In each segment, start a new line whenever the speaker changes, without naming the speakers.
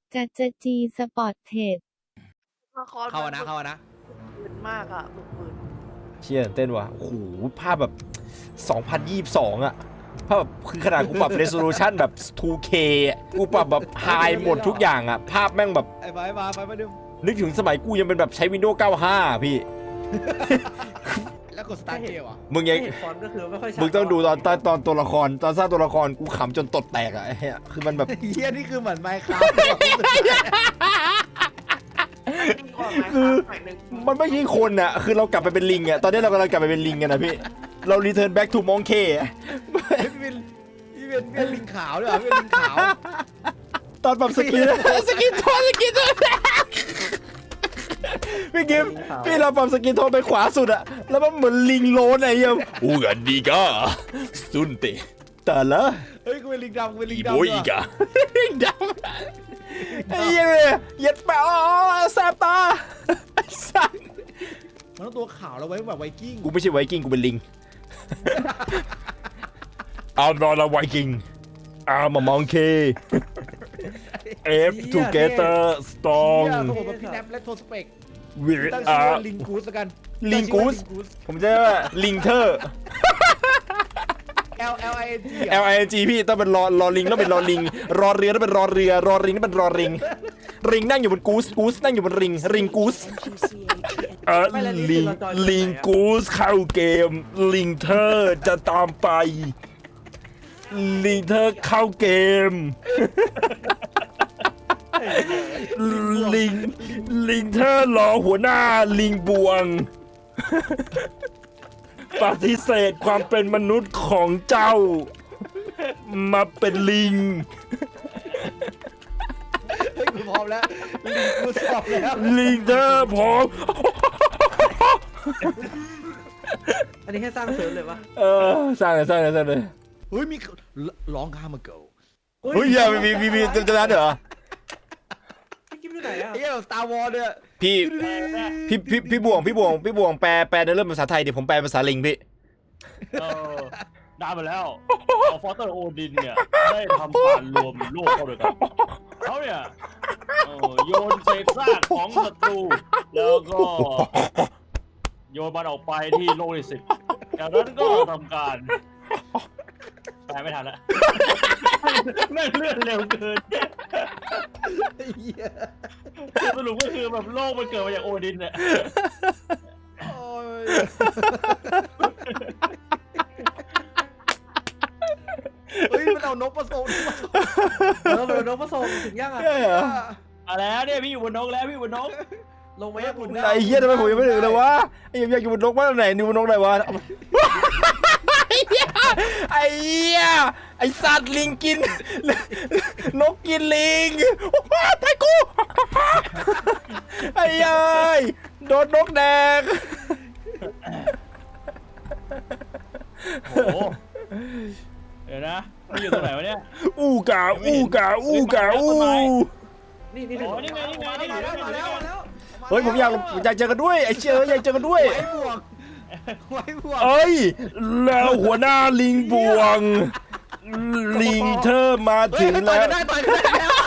จะจีสปอร์ตเทรด
เข้านะ
ปืนมากอ่ะปืน
เชี่ยเต้นว่ะโอ้โหภาพแบบ2022อ่ะภาพแบบคือขนาดกูปรับ resolution แบบ 2K อะกูปรับแบบ high หมดทุกอย่างอ่ะภาพแม่งแบบ
ไอ้ไปดู
นึกถึงสมัยกูยังเป็นแบบใช้ Windows 95 พี่
แล้วกดสตาร์ทเกมอ่ะ
มึงยัง
ฟอนต์ก็คือไม่ค่อยชัด
มึงต้องดูตอนตัวละครตอนสร้างตัวละครกูขำจนตดแตกอ่ะไอ้เหี้ยคือมันแบบ
เฮียนี่คือเหมือนไมค์ครับ
คือมันไม่ใช่คนอ่ะคือเรากลับไปเป็นลิงอ่ะตอนนี้เรากำลังกลับไปเป็นลิงกันนะพี่เรา return back to monkey อะ
พี่เป็นลิงขาวด้วยพี่เป็นลิงขาว
ตอนปรับสกินโทนพี่กิฟพี่เราปรับสกินโทนไปขวาสุดอะแล้วมันเหมือนลิงโลนไอ้เหี้ยอูกันดีก้าซุนเตแต่ละ
เฮ้ยกูเป็นลิงดำกูเป็นลิง
อี
ดำ
โบอีกอะดำไอ้เหี้ยเย็ดแปะอ๋อแสบตาไอ้สัส
มันต้องตัวขาวแล้วไว้แบบไวกิ้ง
กูไม่ใช่ไวกิ้งกูเป็นลิง I'm not a Viking I'm a monkey F together
เฮี
strong
ยเขาบอกว่าพี่แนปและโทสเปก
we
ตั้งชื่อ
are
ว่าลิงกูสแล้วกัน
ลิงกูสผมจะว่าลิงเทอร์
L I N G
LING พี่ต้องเป็นรอลิงต้องเป็นรอลิงรอเรือต้องเป็นรอเรือรอริงต้องเป็นรอริงริงนั่งอยู่บนกูสนั่งอยู่บนริงกูสลิงกูสเข้าเกมลิงเทอร์จะตามไปลิงเทอร์เข้าเกมลิงเทอร์รอหัวหน้าลิงบวงปฏิเสธความเป็นมนุษย์ของเจ้ามาเป็นลิง
เฮ้ยกูพร้อมแล้วลิงกูสอบแล้ว
ลิงเธอพร้อม
อันนี้แค่สร้างเสริมเลยวะ
สร้างเลย
เฮ้ยมีร้องคามาเกิล
เฮ้ยมีจะนั้นเหรอ
พี่กิ๊บอยู่ไหนอ่ะ
ไอ้เหี้ยสตาร์วอร์เนี่ย
พี่บ่วงแปลในเรื่องภาษาไทยเดี๋ยวผมแปลภาษาลิงพี่
ได้มาแล้วฟอสเตอร์โอดินเนี่ยได้ทำการรวมโลกเข้าด้วยกันเขาเนี่ยโยนเศษซากของศัตรูแล้วก็โยนมันออกไปที่โลกที่10จากนั้นก็ทำการแปลไม่ทันแล้วแม่งเลื่อนเร็วเกิน
ไอ้เหี้ย
สรุปก็คือแบบโลกมันเกิดมาจากโอดินเนี่ย
โอ้ยเฮ้ยมันเอานกมาส่ง
เราโดนผสมถึงยังอ่ะ
อะไรเนี่ยพี่อยู่บนนกแล้วพี่อยู่บนนก
ลงไปยังคุณ
ไอ้เหี้ยทำไมผมยังไม่ถึงเลยวะไอ้อยากอยู่บนนกบ้านไหนนี่บนนกไหนวะไอ้เหี้ยไอ้สัตว์ลิงกินนกกินลิงไปกูไอ้เอ้ยโดนนกแดง
โอ้โหเดี๋ยวนะพี่อยู่ตรงไหนวะเนี่ย
อู้กาอู้
นี่
โอ้นี่ไง
มาแล้ว
เฮ้ยผมอยากเจอกันด้วยไอ้เชี่ยอยากเจอกันด้วย
ไว้บวก
เอ้ยแล้วหัวหน้าลิงบวงลิงเธอมาถึงแล้ว
ต่อยกันได้แล้ว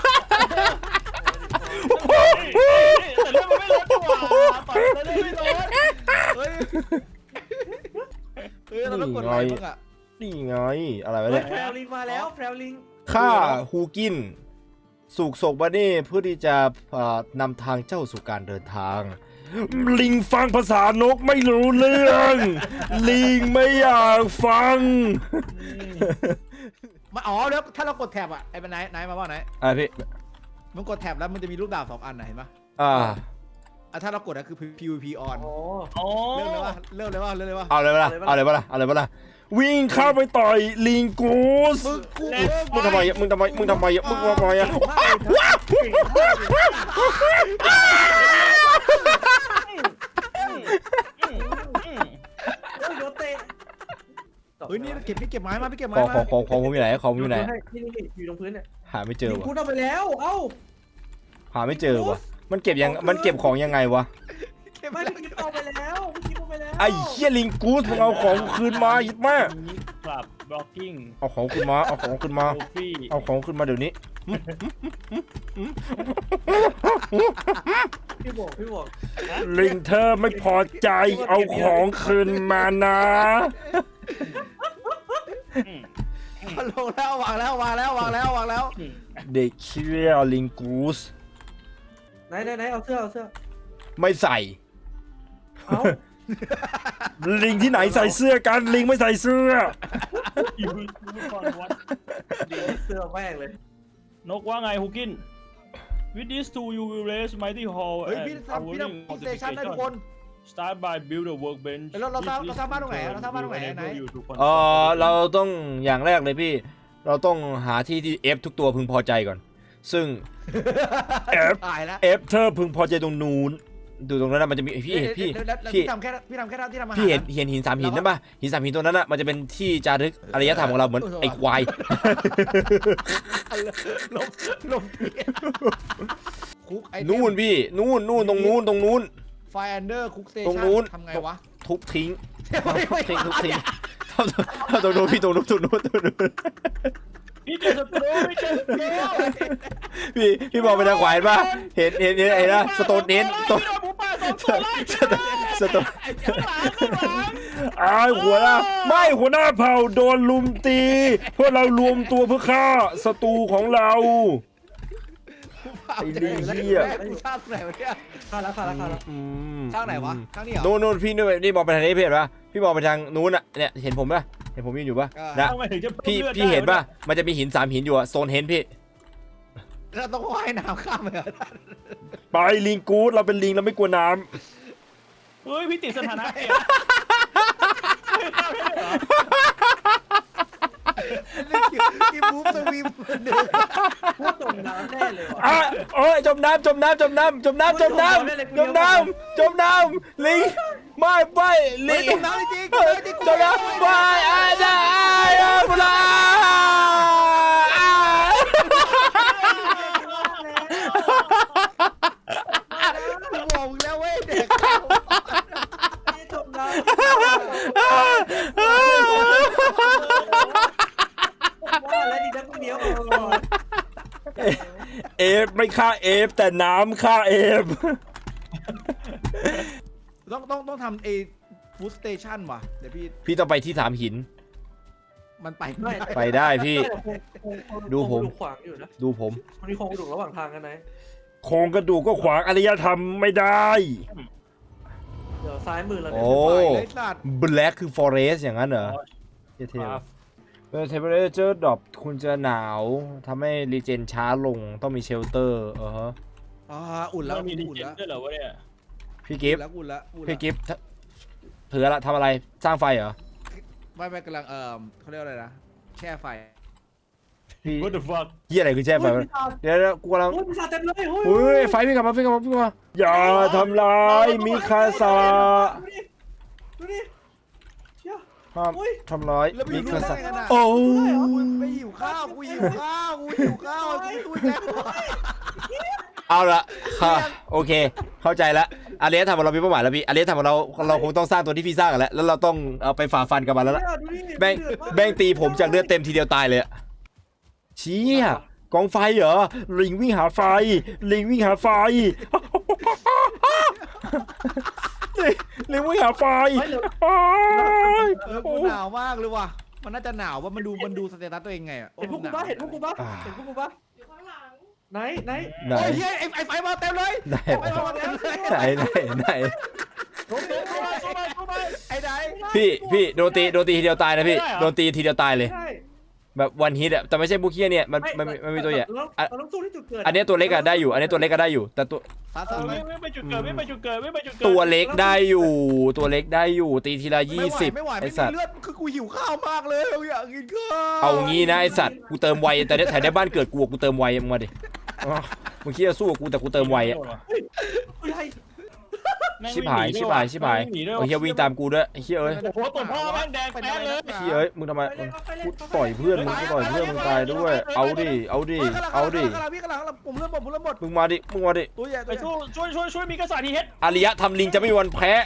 แต่เรื่องมันไม่ลดดีกว่าต่อยแต่เรื่องไม่ลด
เฮ้ยเราต้องกดไลค์บ้างอ่ะ
นี่ไงอะไรวะเนี่ย
แพรวลิงมาแล้วแพรวลิง
ฆ่าฮูกินสูกศกบาเน่เพื่อที่จะนำทางเจ้าสู่การเดินทาง ลิงฟังภาษานกไม่รู้เรื่อง ลิงไม่อยากฟัง
มาอ๋อแล้วถ้าเรากดแท็บอ่ะไอ้เป็นไหนมาว่าไหน
พี่
มันกดแท็บแล้วมันจะมีลูกดาบ2 อันนะเห็นปะถ้าเรากดก็คือ PVP on
โอ้
เริ่มเลยว่า
เอาเลยปะล่ะเอาเลยปะล่ะวิ่งเข้าไปต่อยลิงกูสมึงทำไมมึงทำไมอ่ะ
โดนเตะ
เฮ้ยนี่พี่เก็บไม้มาพี่เก็บไม้
ของ
มา
ผมอยู่ไหนของผมอยู่ไหน
นี่อยู่ตรงพื้นเนี่ย
หาไม่เจอ
ลิง
วะ
พูดเอาไปแล้วเอ้า
หาไม่เจอวะมันเก็บของยังไงวะ
ไม่พี่กิ๊บเอาไปแล้วพี่กิ๊บเอาไปแล้ว
ไอ้เหี้ยลิงกูสมึงเอาของคืนมายิดมาก
กลับบล็อกกิ้ง
เอาของขึ้นมา
โอฟี่
เอาของขึ้นมาเดี๋ยวนี้
พี่บอก
ลิงเธอไม่พอใจเอาของคืนมานะ
ลงแล้ววางแล้ว
เด็กเชี่ยลิงกูส
ไหนเอาเสื้อ
ไม่ใส่
เอา
ลิงที่ไหนใส่เสื้อกันลิงไม่ใส่เสื้อ
อยู่ก่อนวัด
เสื้อแม่งเลย
นกว่าไงฮุกิน With these two you will raise mighty hall
เฮ้ย
and
พี่ทำ
towering
สเตชันได้ทุกคน
Start by build a workbench
เราสร้างบ้านตรงไหนไหน
เราต้องอย่างแรกเลยพี่ เราต้องหาที่ที่ F ทุกตัวพึงพอใจก่อน ซึ่ง F
ตายแล้ว
F เธอพึงพอใจตรงนู้นดูตรงนั้นนะมันจะมีพี่
ทำแค่ที่ทำที่ทำอาหาร
พี่เห็นหิน3 หินนั่นป่ะหิน3 หินตัวนั้นน่ะมันจะเป็นที่จารึกอารยธรรมของเราเหมือนไอ้ควาย
ลมคุกไอ
นู่นพี่นู่นตรงนู้น
ไฟอันเดอร์คุกสเต
ตรง
ชั
นู้น
ทำไงวะ
ทุบทิ้งทุบทิ้งตรงนู้นพี่ตรงนู้น
พี่เจอศัตรูพี่เจอศัตรู
พี่บอกไปทางขวาป่ะเห็นไอ้นะสโตนเน้น
พี่โดนหมูป่า2 ตัวไล่
สโตน
ข้างหลัง
หัวหน้าเผ่าโดนลุมตีเพื่อเรารวมตัวเพื่อฆ่าศัตรูของเรา ไอ้ลิงเหี้ย
กูสร้างไหนวะเนี่ย
ข้าวแล้ว
สร้างไหนวะสร้างนี่เหรอ
โน่นพี่นี่มองไปทางนี้พี่เห็นป่ะพี่มองไปทางนู้นอ่ะเนี่ยเห็นผมป่ะเห็นผมยืนอยู่ป่ะนะ
ทำไมถึงจะเพิ่ม
พี่เห็นป่ะมันจะมีหิน3 หินอยู่อะโซนเห็นพี่
เราต้องว่ายน้ำข้ามไปเหรอ
ไปลิงกู๊ดเราเป็นลิงเราไม่กลัวน้
เฮ้ยพี่ติดสถานะเปลี่ยน
อีบูฟสวีมเดิน
พูดจมน้ำแน่เลยว่ะ
ำโอ้ยจมน้ำลิงไม่ลิง
จมน้ำจริง
จมน้ำไม่บุลา
บอกมึงแล้วเว้ยเด็ก
จมน้ำว่าแล้วดีนักเดียว
เอฟไม่ฆ่าเอฟแต่น้ำฆ่าเอฟ
ต้องทำฟู้ดสเตชันว่ะเดี๋ยวพี่
ต้องไปที่3 หิน
มันไป
ไปได้พี่ ดูผม
ขวางอยู่นะ
ดูผม
มันมีโครงกระดูกระหว่างทางกันไหน
โครงกระดูกก็ขวางอารยธรรมไม่ได้
เดี๋ยวซ้ายมือเราเนี่ย
โอ้
เลยสัตว์
Black คือ Forest อย่างนั้นเหรอเท่ๆTemperature drop คุณจะหนาวทำให้รีเจนช้าลงต้องมีเชลเตอร์
อุ่นแล้ว
มันมีดี
อุ่น
เจน
แล้ว
ด้วยเหรอวะเนี่ย
พี่กิฟต์
อุ่นแล้ว
พี่กิฟต์เผื่อละทำอะไรสร้างไฟเหรอ
ไม่กำลังเขาเรียกอะไรนะแช่ไฟ
พี่
What the fuck
เฮียอะไรคือแช่ไฟวะเดี๋ยวกูกำลัง
โอ้ยปีศาจเต็มเลยเฮ้ย
เฮ้ยไฟพี่กลับมาอย่าทำร้ายมิคาซา
ดูดิเชี่ย
ห้ามทำร้าย
แล้วไป
มิ
อยู่
คา
ได้
ซา
ไงนะ
โอ้
ไม่หิวข้าวกูหิวข้าวตุ้ยแล้ว
เอาละค่ะโอเค เข้าใจแล้วอารยธรรมของเรามีเป้าหมายแล้วพี่อารยธรรมของเราคงต้องสร้างตัวที่พี่สร้างกันแล้วเราต้องเอาไปฝ่าฟันกับมันแล้วล่ะแบ่งตีผมจากเลือดเต็มทีเดียวตายเลยเชี่ยกองไฟเหรอลิงวิ่งหาไฟลิงวิ่งหาไฟ
กูหนาวมากเลยว่ะมันน่าจะหนาวว่ามันดูสเตตัสตัวเองไง
เห็นพวกกูปะเห็นพวกกูปะอยู่ข้างหลังไหน
โอ้ยไอ้ไฟมาเต็มเลยไฟมาเต็มเลย
ไหน
ไอ้ไหน
พี่โดนตีทีเดียวตายนะพี่โดนตีทีเดียวตายเลย
ใช่
แบบวันฮิตอะแต่ไม่ใช่บุกเคียเนี่ยมันมีตัวใหญ่
เราต้องสู้ที่จุดเกิด
อันนี้ตัวเล็กอะได้อยู่แต่ตัว
ไม่ไปจุดเกิดไม่ไปจุดเกิด
ตัวเล็กได้อยู่ตีทีละ20
ไม่ไหว
ไอ
ไม่
สั
มี
ตว์
เลือดคือกูหิวข้าวมากเลยอยากกินข้าว
เอางี้นะไอสัตว์กูเติมไวแต่แถวในบ้านเกิดกูเติมไวมึงมาดิมึงคิดจะสู้กับกูแต่กูเติมไวอะชิบหายเอาเฮียวิ่งตามกูด้วยเฮียเอ้ย
โอ้โหตัวพ่อแม่งแดงแป๊ดเลย
เฮียเอ้ยมึงทำไมกูต่อยเพื่อนมึงตายด้วยเอาดิ
พี่กำลังผมเริ่มหมด
มึงมาดิ
ตัวใหญ่
ไปช่วยมีกษัตริย์ทีเฮ็ด
อารยธรรมลิงจะไม่มีวันแพ้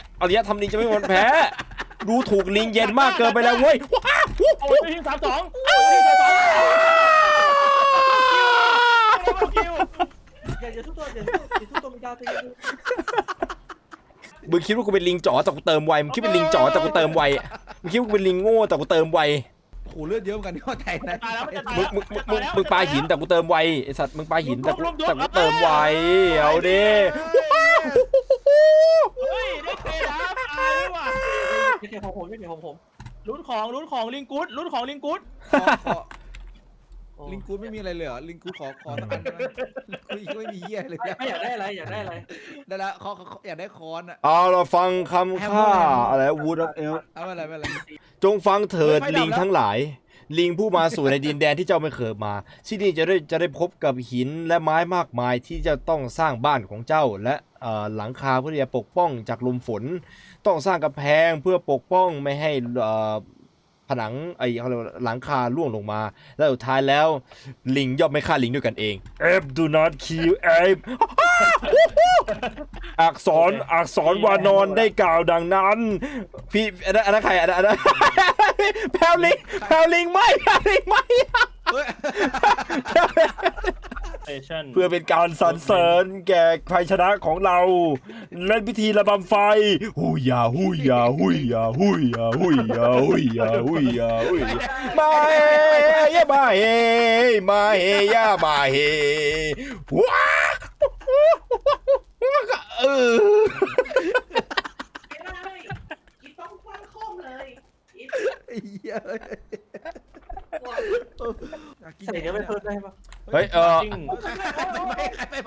ดูถูกลิงเย็นมากเกินไปแล้วเว้ย
โอ้ยทีม32ทีม32 คิว
อย่าทุกตัวอย่าทุกตัวมีดาวตีดู
มึงคิดว่ากูเป็นลิงจ๋อแต่กูเติมไวมึงคิดเป็นลิงจ๋อแต่กูเติมไวมึงคิดว่ากูเป็นลิงโง่แต่กูเติมไว
โหเลือดเยอะเหมือนกันที่ว่าไทยนะ
ตายแล้วมันจะตาย
มึงปาหินแต่กูเติมไวไอสัตว์มึงปาหินแต่กูเติมไวเอาดิ
เฮ้ยได้เตะนะตายด้วยว่ะ
ไม่ใช่ของผมไม่ใช่ของผม
ลุ้นของลิงกุ๊ดลุ้นของลิงกุ๊ด
ลิงกูดไม่มีอะไรเลยเหรอลิงกูดขอสักอันได้ไหมลิงกูดไม่มีเหี้ยเลยเนี่ย
ไม่อยากได้อะไร
ได้แล้วเขาอยากได้คอนอ่ะ
เอาเราฟังคำข้าอะไร Wood of Elf
เอาไม่เป็นไร
จงฟังเถิด
ไม่ดับ
ลิงทั้งหลาย ลิงผู้มาสู่ในดินแดนที่เจ้าไม่เคยมาที่นี่จะได้พบกับหินและไม้มากมายที่จะต้องสร้างบ้านของเจ้าและหลังคาเพื่อที่จะปกป้องจากลมฝน ต้องสร้างกำแพงเพื่อปกป้องไม่ให้ผนังเขาเรียกว่าหลังคาร่วงลงมาและสุดท้ายแล้วลิงย่อมไม่ฆ่าลิงด้วยกันเอง Ape do not kill Ape อักษรวานอนได้กล่าวดังนั้นพี่อันนั้นใครอันนั้นแพลลิงไม่ เพื่อเป็นการสรรเสริญแก่ชัยชนะของเราเล่นพิธีระบำไฟหุยาหุยาหุยาหุยาหุยาหุยาหุยาหุยมาเฮยามาเฮมาเฮยามาเฮว้า
กินต้องคว้างคมเลย ใส่เนื้อไปเพิ่มได้ปะ
เฮ้ย
ไป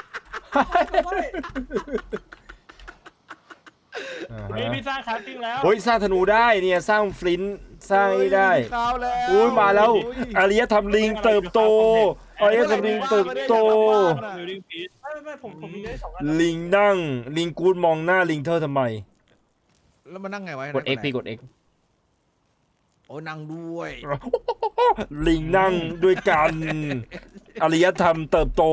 นี่พี่สร้างคราฟติ้งแล้ว
เฮ้ยสร้างธนูได้เนี่ยสร้างฟลินต์สร้างได้ อุ้ยมาแล้วอารยธรรมลิงเติบโตอารยธรรมลิงเติบโต
ไม่ผมมีได้2 อัน
ลิงนั่งลิงกูดมองหน้าลิงเธอทำไม
แล้วมานั่งไงวะ
กด X พี่กด X
โอ้นั่งด้วย
ลิงนั่งด้วยกันอารยธรรมเติบโต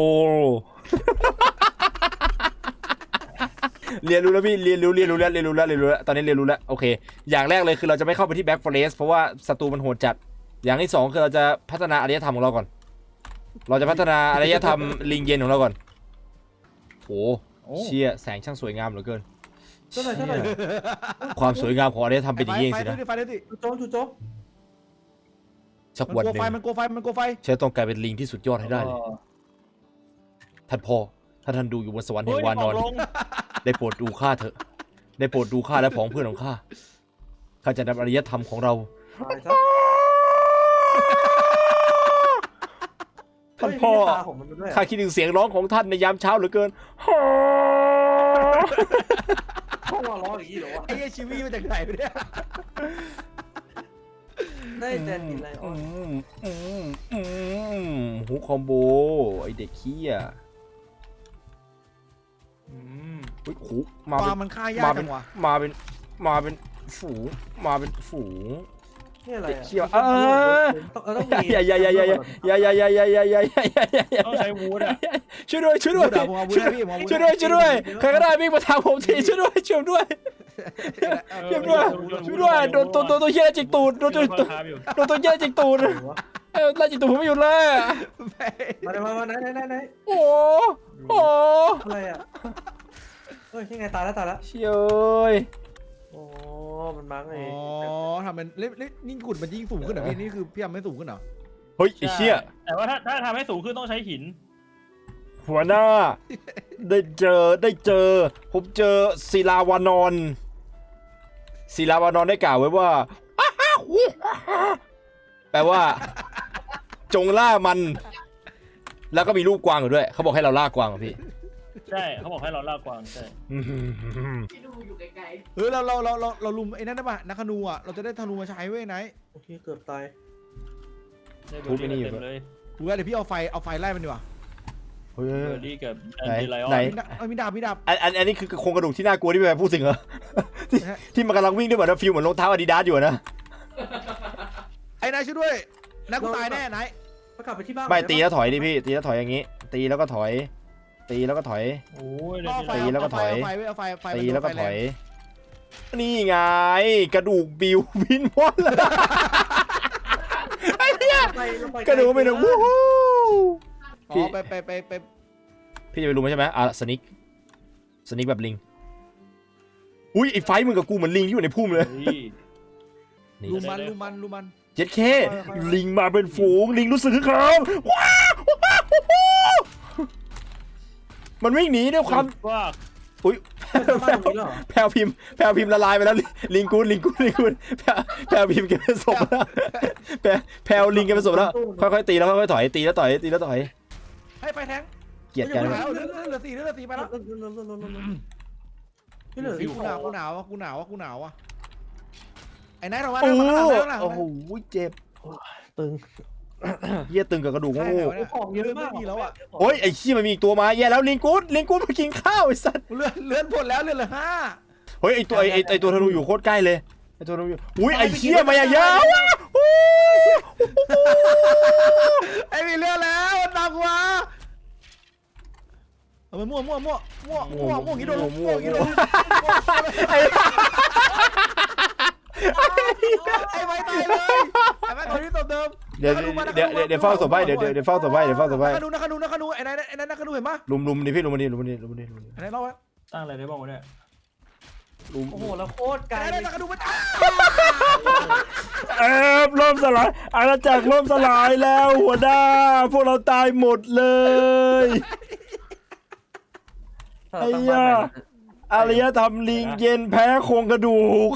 เรียนรู้แล้วพี่เรียนรู้แล้วตอนนี้เรียนรู้แล้วโอเคอย่างแรกเลยคือเราจะไม่เข้าไปที่แบ็กฟอเรสเพราะว่าศัตรูมันโหดจัดอย่างที่สองคือเราจะพัฒนาอารยธรรมของเราก่อนเราจะพัฒนาอารยธรรมลิงเย็นของเราก่อนโอ้เชี่ยแสงช่างสวยงามเหลือเกิน
เท่าไหร่
ความสวยงามของอารยธรรมเป็นอย่างนี้สินะ
ไฟด้วยดิ
จู่โจม
สักวันหนึ่ง
มันโกไฟ
ฉันต้องกลายเป็นลิงที่สุดยอดให้ได้เลยท่านพ่อถ้าท่านดูอยู่บนสวรรค์แห่งวานอนได้โปรดดูข้าเถอะได้โปรดดูข้าและผองเพื่อนของข้าข้าจะนำอารยธรรมของเรา ท่านพ่อข้าคิดถึงเสียงร้องของท่านในยามเช้าเหลือเกิน
พ่อว่าร้องอย่างนี้เหรอวะ
ไอ้ชีวิตมาจากไหนเนี่ย
ได้แต่กินอะไรอ๋อ
หูคอมโบไอเด็กขี้อ่ะเฮ้ยหูมา
ป
เป็
ลานมันฆ่ายากจังวะ
มาเป็นฝูง
นี่อะไร
เด็ก
อ่ะ
ขี้อ่ะ
ต้องมี
อย่า
ต้องใช้วูดอ่ะ
ช่วยด้วยใครก็ได้วิ่งมาทางผมทีช่วยด้วยโดนตัวเหี้ยจิกตูดโดนตัวเหี้ยจิกตูดไล่จิกตูดผมไม่หยุดเลย
มาไหน
โอ้
อะไรอ่ะเฮ้ยยังไงตายแล้ว
เชี่ยย
โอ้มันมั้งไง
อ๋อทำเป็นนี่ขุดมันยิ่งสูงขึ้นเหรอพี่นี่คือพี่ทำไม่สูงขึ้นเหรอ
เฮ้ยไอ้เชี่ย
แต่ว่าถ้าทำให้สูงขึ้นต้องใช้หิน
หัวหน้าได้เจอผมเจอศิลาวานอนได้กล่าวไว้ว่าแปลว่าจงล่ามันแล้วก็มีลูกกวางอยู่ด้วยเขาบอกให้เราล่ากวางพี่
ใช่เขาบอกให้เราล่ากวางใช่
ที่ดูอยู่ไกล
เราลุมไอ้นั่นได้ป่ะนักธนูอ่ะเราจะได้ธนูมาใช้เว้ยไหน
โอเคเกือบตาย
ทุบไปนี่อยู่
เลย
กูว่าเดี๋ยวพี่เอาไฟไล่มันดีกว่า
เฮ้ย
เบอร์ดี้กับแอน
ไหน
ดี้ไลออน
ไหน
มีดาบ
อันนี้คือโครงกระดูกที่น่ากลัวที่พี่แม่พูดถึงเหรอที่มันกำลังวิ่งด้วยแบบฟิลเหมือนรองเท้าอาดิดาสอยู่นะ
ไอ้นายช่วยด้วยนายกูตายแน่นาย
กลับไปที่บ้าน
ไม่ตีแล้วถอยดิพี่ตีแล้วถอยอย่างงี้ตีแล้วก็ถอย
โอ้ย
ตีแล้วก็ถอย
เอาไฟ
ตีแล้วก็ถอยนี่ไงกระดูกบิววินวอนเลยไอ้เนี่ยกระดูกเป็นวู้ฮู้
อ๋อไป
พี่จะไปลุมมันใช่ไหมสนิกแบบลิงอุ้ยไอ้ไฟมึงกับกูเหมือนลิงที่อยู่ในพุ่มเลย
เฮ้ย
ลูมัน
เจ็ดเคลิงมาเป็นฝูงลิงรู้สึกคึกคักว้าวมันวิ่งหนีด้วยความ
ว่า
อุ้ย
บ้านตรงนี้เหรอ
แพลวพิมพ์ละลายไปแล้วลิงกูดแพลวพิมพ์แกเป็นศพแล้วแพลวลิงแกเป็นศพแล้วค่อยๆตีแล้วค่อยๆถอยตีแล้วต่อย
ให้ไฟแทง
เกลียดกัน
เหลือ4ไปแล้ว
ไม่เหลือ
กูหนาวอ่ะไอ้นายเราว่า
โอ้โหเจ็บ
ตึง
เหี้ยตึงกับกระดูกโง่
ของเยอะมาก
ไม่มีแล้วอ่ะ
โอ้ยไอ้ขี้มันมีอีกตัวมาแย่แล้วลิงกูดมากินข้าวไอ้สัส
เลื่อนผลแล้วเลื่อนเหลือ5
เฮ้ยไอ้ตัวธนูอยู่โคตรใกล้เลยไอ้ตัวธนูอยู่อุ้ยไอ้เหี้ยมาอย่างยาว
ไอ้มีเลื่อนแล้วมันตามกูมาเอาไปมั่วงี้โดนไอ้ไม้ตายเลยไอ้ไม้คนที่ตบเดิม
เดี๋ยวเฝ้าศพไว้เดี๋ยวเฝ้าศพไว้
นักขนูไอ้นั่นนักขนูเห็นปะ
ลุมดิพี่ลุมดิ
ไอ้นั่นเล่าไว้
สร้างอะไรได้บ้างวะเนี่ย
โอ้โหแล้วโคตรไกล
ไอ้นั่นนักขนูมัน
ล่มสลายอาณาจักรล่มสลายแล้วหัวหน้าพวกเราตายหมดเลยไอ้ยาอารยธรรมลิงเย็นแพ้โครงกระดูก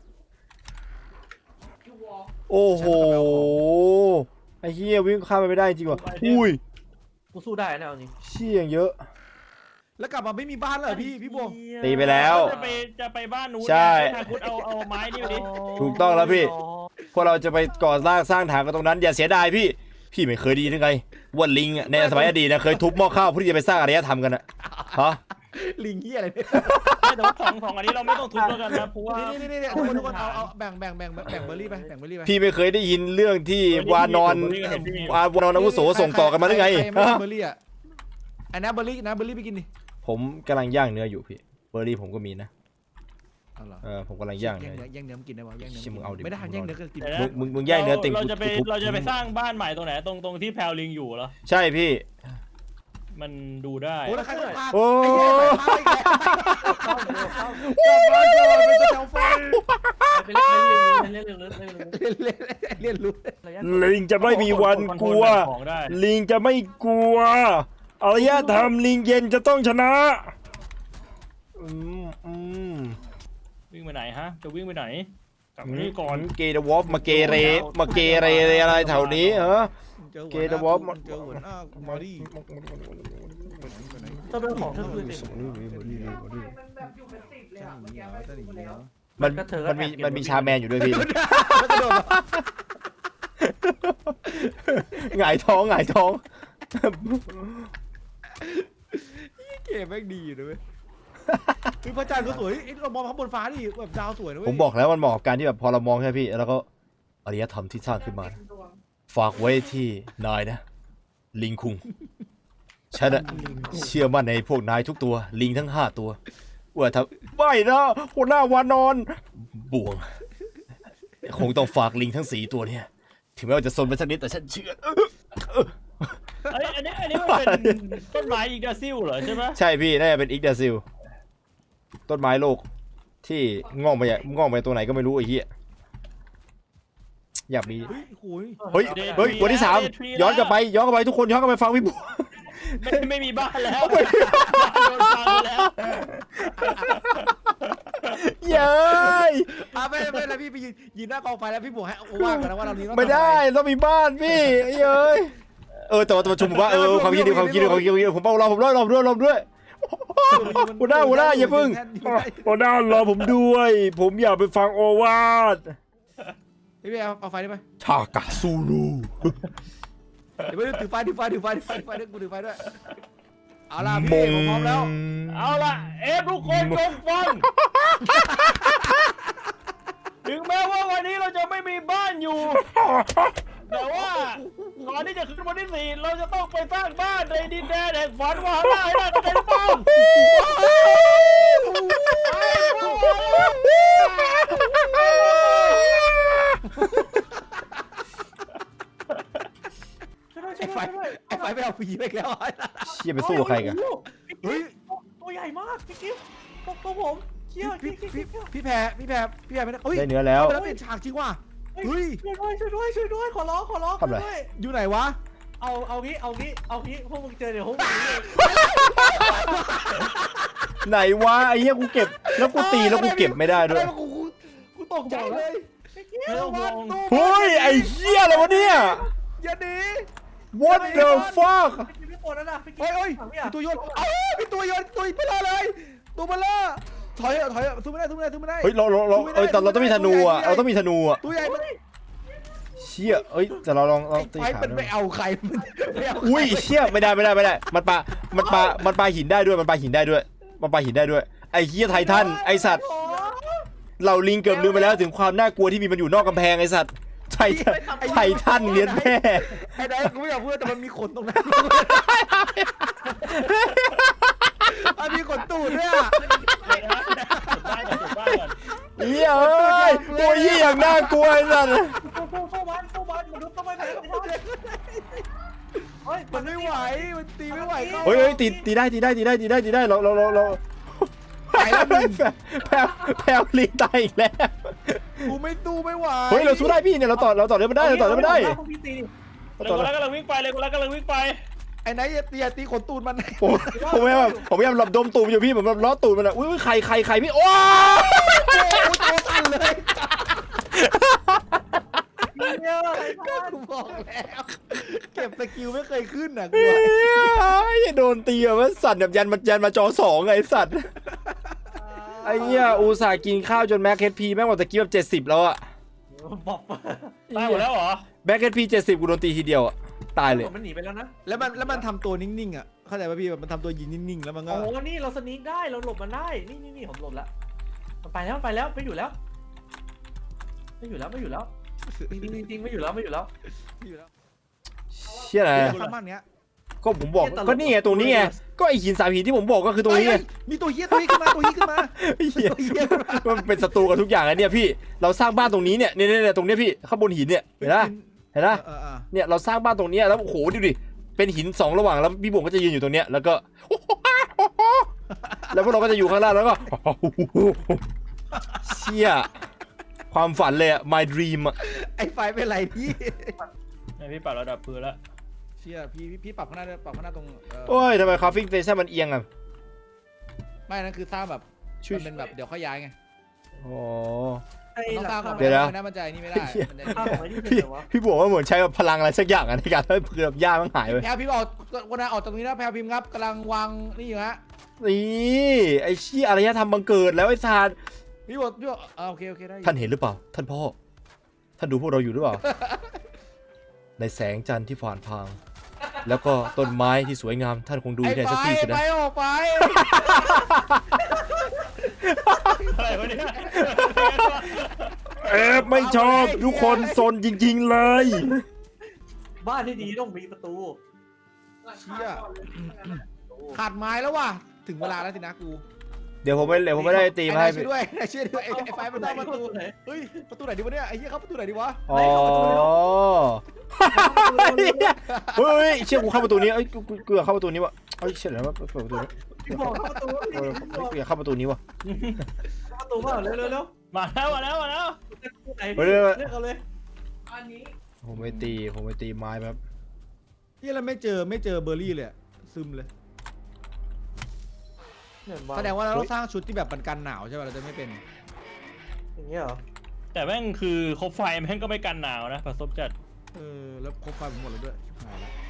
โอ้โหไอ้เหี้ยวิ่งข้ามไปไม่ได้จริงว่ะอุ้ย
กูสู้ได้นะเอาจริง
เชี่ยเยอะ
แล้วกลับมาไม่มีบ้านเลยพี่บวง
ตีไปแล้ว
จะไปบ้านนู้น
ใช่
ทางคุณเอาไม้นี่ไปดิ
ถูกต้องแล้วพี่ พวกเราจะไปก่อสร้างฐานกันตรงนั้นอย่าเสียดายพี่ไม่เคยดีหรือไงว่าลิงในสมัยอดีตนะเคยทุบหม้อข้าวเพื่อที่จะไปสร้างอารยธรรมกันอะฮะ
ลิงเหี้ยอะไรเนี่ย
แต่ว่าสองอันนี้เราไม่ต้องทุบแล้วกันนะเพราะว่า
นี่ทุกคนเอาแบ่งเบอร์รี่ไปแบ่งเบอร์รี่ไป
พี่ไม่เคยได้ยินเรื่องที่วานอนอาวุโสส่งต่อกันมาหรือไง
ไม่
ฮะ
เบอร์รี่อ่ะไอ้นะเบอร์รี่ไปกินดิ
ผมกำลังย่างเนื้ออยู่พี่เบอร์รี่ผมก็มีนะ
เอาเหรอ
ผมกำลังย่างเนื้อ
แย่งเนื้อมันกินได้ป่ะแย่งเนื้อ
ชิมึงเอาดิ
ไม่ได้แย่งเนื้อก็กิน
มึงย่างเนื้อติ่ง
เราจะไป
ทุบ
เราจะไปสร้างบ้านใหม่ตรงไหนตรงที่แพลวลิงอยู่เหรอ
ใช่พี่
มันดูได้
โอ้แล้วใครก็พา
โอ้
เข้าเร็วเข้า
เป็นเจ้าไฟ
ไปเล่น
เรียนรู้
ลิงจะไม่มีวันกลัว
ของได้
ลิงจะไม่กลัวอารยธรรมลิงเย็นจะต้องชนะ
วิ่งไปไหนฮะจะวิ่งไปไหนกลับมานี่ก่อน
เกย์วอฟมาเกเรอะไรแถวนี้เหรอ
เจอหัวหน้ามาดิ
ต้องเป็นของเธอคืนเอง
มันมีชาแมนอยู่ด้วยพี่หงายท้อง
เก๋แม่งดีอยู่ด้วยคือพระจันทร์ก็สวยเรามองข้างบนฟ้าดิแบบดาวสวยนะเว้ย
ผมบอกแล้วมันเหมาะกับการที่แบบพอเรามองใช่พี่แล้วก็อารยธรรมที่สร้างขึ้นมานะฝากไว้ที่นายนะลิงคุงฉันเชื่อมั่นในพวกนายทุกตัวลิงทั้ง5ตัวว่าถ้าไม่นะหัวหน้าวานอนบ่วงคงต้องฝากลิงทั้ง4ตัวเนี่ยถึงแม้ว่าจะซนไปสักนิดแต่ฉันเชื่อ
อันนี้มันเป็นต้นไม้อีกดาซิลเหรอใช่ไหม
ใช่พี่น่าจะเป็นอิกดาซิลต้นไม้โลกที่งอกไปตัวไหนก็ไม่รู้ไอ้เหี้ยอยากมี เฮ้ยวันที่3ย้อนกลับไปทุกคนย้อนกลับไปฟังพี่บัว
ไม่มีบ้านแล้วโดนฟังแล้ว
เย้ย
ไม่แล้วพี่ไปยืนหน้ากองไฟแล้วพี่บวกให้ว่ากันนะว่าเรานี้
ไม่ได้ต้องมีบ้านพี่เย้ยแต่ว่าประชุมว่าความคิดดีผมรอด้วยหัวหน้าอย่าพึ่งหัวหน้ารอผมด้วยผมอยากไปฟังโอวาท
พี่เอาไฟได้ไหม
ชากาซูรู
เดี๋ยวถือไฟด้วยกูถือไฟด้วยเอาล่ะพี่ผมพร้อมแล้ว
เอาล่ะทุกคนจงฟังถึงแม้ว่าวันนี้เราจะไม่มีบ้านอยู่แต่ว่าก่อนที่จะขึ้นวันที่4เราจะต้องไปสร้างบ้านในดินแดนแห่งฝันว่าได้จะเป็นบ้าน
ไอ้ไฟไปเอาแล้วผีไปแล้ว
เชี่ยไปสู้กับใครกัน
เฮ้ย
ตัวใหญ่มากพี่กิ๊ฟตัวผมเชี่ย
พี่แพรไม่ได้เฮ้ย
ได้เนื้อแล้ว
แล้วเป็นฉากจริงว่ะเฮ้ย
ช่วยด้วยขอร้อง
ทำอะไร
ด้วย
อยู่ไหนวะ
เอางี้พวกมึงเจอเดี๋ยวพวกมึง
ไหนวะไอ้เหี้ยกูเก็บแล้วกูตีแล้วกูเก็บไม่ได้ด้วย
กูตกใจเลย
ไม่ต้องห่วง
เฮ้ยไอ้เหี้ยอะไรวะเนี่ย
อย่าหนี
What the fuck
พี่ตัวนั้นนะพี่กิ๊
เฮ้ย
ฟ
มีตัวโยนมีตัวโยนตัวเบลอเลยตัวเบลอถอยสู้ไม่ได้
เฮ้ยเราแต่เราต้องมีธนูอ่ะเราต้องมีธนูอ่ะ
ตัวใหญ่มัน
เชี่ยเอ้ยแต่เราลองตี
ไอ้
ขา
มันไม่เอาใครมันไม่เอา
อุ้ยเชี่ยไม่ได้มันปาหินได้ด้วยมันปาหินได้ด้วยไอ้เหี้ยไททันไอ้สัตว์เราลิงเกือบลืมไปแล้วถึงความน่ากลัวที่มีมันอยู่นอกกำแพงไอ้สัตว์ไททันเลี้ยนแม่
ไอ้ได้กูไม่อยากพูดแต่มันมีขนตรงนั้นมันมีขนตูดด้วยอ่ะ
จุดบ้านก่อน
เหี้ยเอ้ยตัวเหี้ยอย่างน่ากลัวไอ้สัตว์
เข้าบ้านมนุษย์ต้องไม่แพ้เฮ้ย
มันไม่ไหวมันตีไม่ไหว
เฮ้ยตีได้เรา
ไปแล้วมึง
แพลลิงตายอีกแล้ว
กูไม่ตู้ไม่ไหว
เฮ้ยเราสู้ได้พี่เนี่ยเราต่อเรื่องมันได้เราต่อเรื่องมันได้
เลยกูรักกำลังวิ่งไป
ไอ้ไหนอย่าตีขนตูดมัน
ผมพยายามหลบดมตูมอยู่พี่ผมแบบล้อตูดมันอ่ะอุ้ยใครพี่โอ้
ตัวสั่นเลย
เนี่ยอะไร
กูบอกแล้วเก็บสกิลไม่เคยขึ้นอ่ะกู
ยโดนตีแบบว่าสั่นแบบยันมาจอ2ไงสัตว์ไอ้เหี้ยอุตส่าห์กินข้าวจนแม็กเฮดพีแม่งหมดตะกี้แบบ70แล้วอะ
บอก
ตายหมดแล้วเหรอ
แม็กเฮดพี70กูโดนตีทีเดียวอะตายเลย
มันหนีไปแล้วนะ
แล้วมันทำตัวนิ่งๆอ่ะเข้าใจป่ะพี่มันทำตัวยืนนิ่งๆแล้วมันก็
โอ้นี่เราสนีกได้เราหลบมันได้นี่ผมหลบแล้วมันไปแล้วไม่อยู่แล้วจริงไม่อยู่แล้ว
เชี่ยอะไร
สามารถเนี้ย
ก็ผมบอกก็นี่ไงตรงนี้ไงก็ไอ้หิน3หินที่ผมบอกก็คือตรงนี้ไง
มีตัวเฮี้ยขึ้นมา
เหี้ยมันเป็นศัตรูกับทุกอย่างอะเนี่ยพี่เราสร้างบ้านตรงนี้เนี่ยตรงเนี้ยพี่ข้างบนหินเนี่ยเห็นนะเนี่ยเราสร้างบ้านตรงนี้แล้วโอ้โหดูดิเป็นหิน2ระหว่างแล้วพี่บุ๋มก็จะยืนอยู่ตรงเนี้ยแล้วก็แล้วพวกเราก็จะอยู่ข้างล่างแล้วก็เชี่ยความฝันเลยอะ my dream อะ
ไอ้ไฟเป็นไรพี่
พี่ปรับระดับปืนแล้ว
เชี่ยพี่ปรับข้างหน้าด้วยปรับข้างหน้าตรง
โอ้ยทำไมคาฟิ้งสเตชันมันเอียงอะ
ไม่นั่นคือสร้างแบบมันเป็นแบบเดี๋ยวค่อยย้ายไง
อ๋อ
ต้องสร้างก่อน
เดี๋ยวนะ
ไม่ได้มันใจนี่ไม่ได้
พี่บอกว่าเหมือนใช้แบบพลังอะไรสักอย่างอะในการให้เพื่อนหญ้ามันหายไป
แพลพิมพ์ออกคนนั้นออกตรงนี้นะแพลพิมพ์ครับกำลังวางนี่อยู่ฮะ
นี่ไอ้ชี้อารยธรรมบังเกิดแล้วไอ้ซาน
พี่บอกโอเคได้
ท่านเห็นหรือเปล่าท่านพ่อท่านดูพวกเราอยู่หรือเปล่า ในแสงจันทร์ที่ผ่านพางแล้วก็ต้นไม้ที่สวยงามท่านคงดูได้สักทีสินะ
ไปออกไป
อะไรวะเนี่ย
ไม่ชอบทุกคนซนจริงๆเลย
บ้านที่ดีต้องมีประตู
เชี่ยขาดไม้แล้วว่ะถึงเวลาแล้วสินะกู
เดี๋ยวผมไม่ได้ตีมาให้
ช่วยด้วยช่วยด้วยไอ้ไฟมันต้องประตูเฮ้ยประตูไหนดีวะเนี่ยไอ้เหี้ยเข้าประตูไหนดีวะ
อ๋อเฮ้ยเชื่อกูเข้าประตูนี้เอ้ยกูอยากเข้าประตูนี้วะเอ้ยเชื่อแล้วว่าเปิดประตูนี้
พี่บอกเข้าประตู
กูอยากเข้าประตูนี้วะ
ประตูมาเร็ว
มาแล้ว
ไหนเลือกเอาเลย
ผมไปตีไม้แบบ
ที่เราไม่เจอเบอร์รี่เลยซึมเลยแสดงว่าเราต้องสร้างชุดที่แบบกันหนาวใช่ป่ะเราจะไม่เป็น
อย่างเงี้ยเหรอ
แต่แม่งคือคบไฟแม่งก็ไม่กันหนาวนะผสมจัด
แล้วครบไฟหมดแล้วด้วยหายแล้ว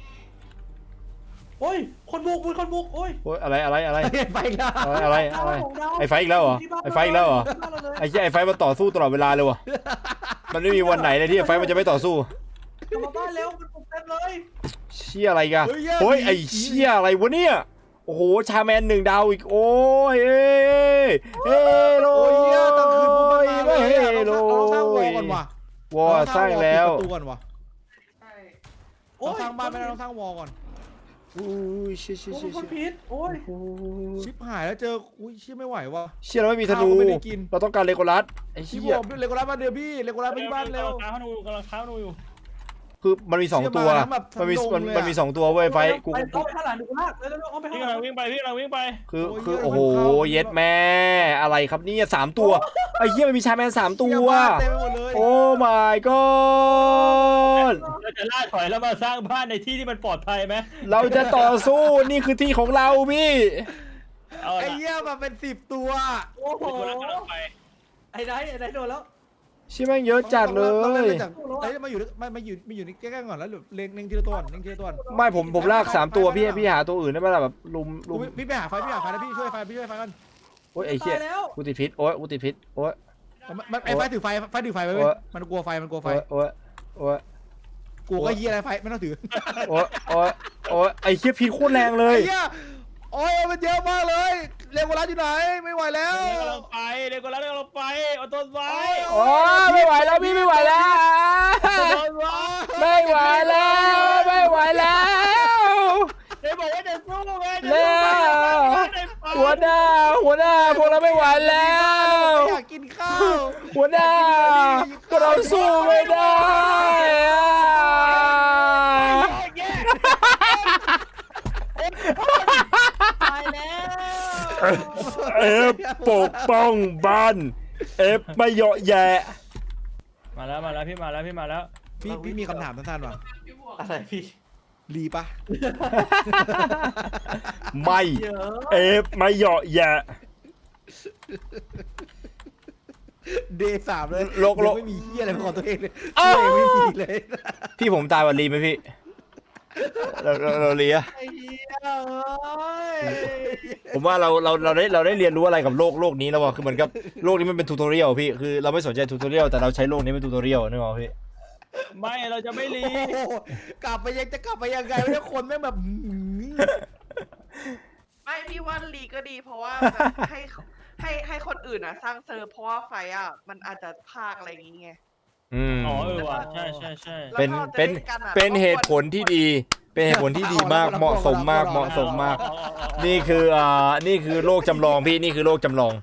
โอ้ยคนบุกโอ้ย
โอ้ยอะไร
ไฟแล้ว
อะไรไอ้ไฟอีกแล้วเหรอไอ้ไฟอีกแล้วเหรอไอ้เหี้ยไอ้ไฟมันต่อสู้ตลอดเวลาเลยวะมันไม่มีวันไหนเลยที่ไอ้ไฟมันจะไม่ต่อสู้
กลับมาบ้านเร็วมันบุกเต็มเลย
เชี่ยอะไรกันเฮ้ยไอ้เชี่ยอะไรวะเนี่ยโอ้โหชาแมน1 ดาวอีกโอ้ยเอ้โล
โอ้ยเนี่ยตอนคืนปุ๊บมันมาเลย
โล
เราสร้างวอลก่อนว่ะ
วอสร้างแล้ว
ประตูก่อนว่ะเราสร้างบ้านไม่ได้เราสร้างวอลก่อน
อุ้ยเชี่ย
โอ้ยคนพิษโอ้ย
ชิปหายแล้วเจออุ้ยชิปไม่ไหวว่ะ
เชี่ยเราไม่มีธนูเราต้องการเลโกลัสไอ้
ชิป
เชี่ย
บอกเลโกลัสมาเดี๋ยวพี่เลโกลัสไปที่บ้านเร็ว
กำลังค้าหนูอยู่
คือมันมีสองตัว มันมีสองตัวเว้ยไฟกู
ไปเข้าไปข้างหลังดูกูลากแล้วเข้าไป
พี่
ข้างห
กำ
ลั
ลั
ง
งวิ่งไปพี่กำลังวิ่งไป
คือโอ้โหเย็ดแม่อะไรครับเนี่ย3 ตัวไอ้เหี้ยมันมีชาแมน3 ตัว
เต็มไปหมดเลย
โอ้ my god
เราจะล่าถอยแล้วมาสร้างบ้านในที่ที่มันปลอดภัยไหม
เราจะต่อสู้นี่คือที่ของเราพี่
เอา
ไอ้
ละ
เหี้ยมาเป็น10 ตัว
โอ้โห
คนละกำลังไป
ไอ้ไนท์โดนแล้ว
ชิแม่งเยอะจัดเล
ต้อง
ย
เล่นจากเอ้ยมาอยู่ในใกล้ๆก่อนแล้วเล็งทีละตัวเล็งทีละตัว
ไม่ผมลาก3 ตัวพี่หาตัวอื่นได้ไหมล่ะแบบลุม
พี่ไปหาไฟนะพี่ช่วยไฟกัน
โอ้ยไอ้เหี้ย
ตายแล้ว
กูติดพิษโอ้ยกูติดพิษโอ้ย
มันไอ้ไฟถือไฟไปเว้ยมันกลัวไฟ
โอ้ย
กูก็เหี้ยอะไรไฟไม่ต้องถือ
โอ้ยไอ้เหี้ยพิษโคตรแรงเลย
ไอ้เหี้ยโอ้ยมันเยอะมากเลยเร็วกว่าร้านอยู่ไหนไม่ไหวแล้ว
เด็กกำลังไปเด็กกำลังไปเอาต้นไว้
โอ้ยไม่ไหวแล้วพี่ไม่ไหวแล้ว
ต้นไว้
ไม่ไหวแล้วไม่ไหวแล้ว
เด็กบอกว่าจะสู้ไง
แล้วหัวหน้าพวกเราไม่ไหวแล้ว
อยากกินข้าว
หัวหน้าพวกเราสู้ไม่ได้อะ
ตายแล้ว
เอฟปกป้องบ้านเอฟไม่เหยาะแยะ
มาแล้วพี่มาแล้ว
พี่มีคำถามสั้นๆว่ะ
อะไรพี่
รีปะ
ไม่
เยอะ
เอฟไม่เหยาะแยะ
เดย์3เลย
โลก
ไม่มีเหี้ยอะไรเป็นของตัวเองเลย
อ้าว
ไม่มีเลย
พี่ผมตายวันรีไหมพี่เราเลีย
ไอ้เหี้ยเอ้ย
ผมว่าเราได้เรียนรู้อะไรกับโลกนี้แล้วว่ะคือเหมือนกับโลกนี้มันเป็นทูตอเรียลพี่คือเราไม่สนใจทูตอเรียลแต่เราใช้โลกนี้เป็นทูตอเรียลนึกออกพี่
ไม่เราจะไม่รี
โอ้โหกลับไปยังไงเนี่ยคนแม่งแบบ
ไม่พี่ว่าลีก็ดีเพราะว่าแบบให้คนอื่นอ่ะสร้างเซิร์ฟเพราะว่าไฟอ่ะมันอาจจะพากอะไรอย่างเงี้ย
อ๋อว่ะใช่
แล้ว
เป็น
พอจะ
เป็น
ล่กัอะ
เป็นเหตุผลที่ดี เป็นเหตุผลที่ดีมากเหมาะสมมากนี่คือโลกจำลองพี่นี่คือโลกจำลอง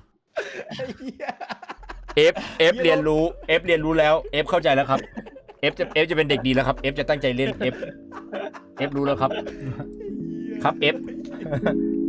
F เรียนรู้แล้ว F เข้าใจแล้วครับ F จะเป็นเด็กดีแล้วครับ F จะตั้งใจเล่น F รู้แล้วครับ ครับ F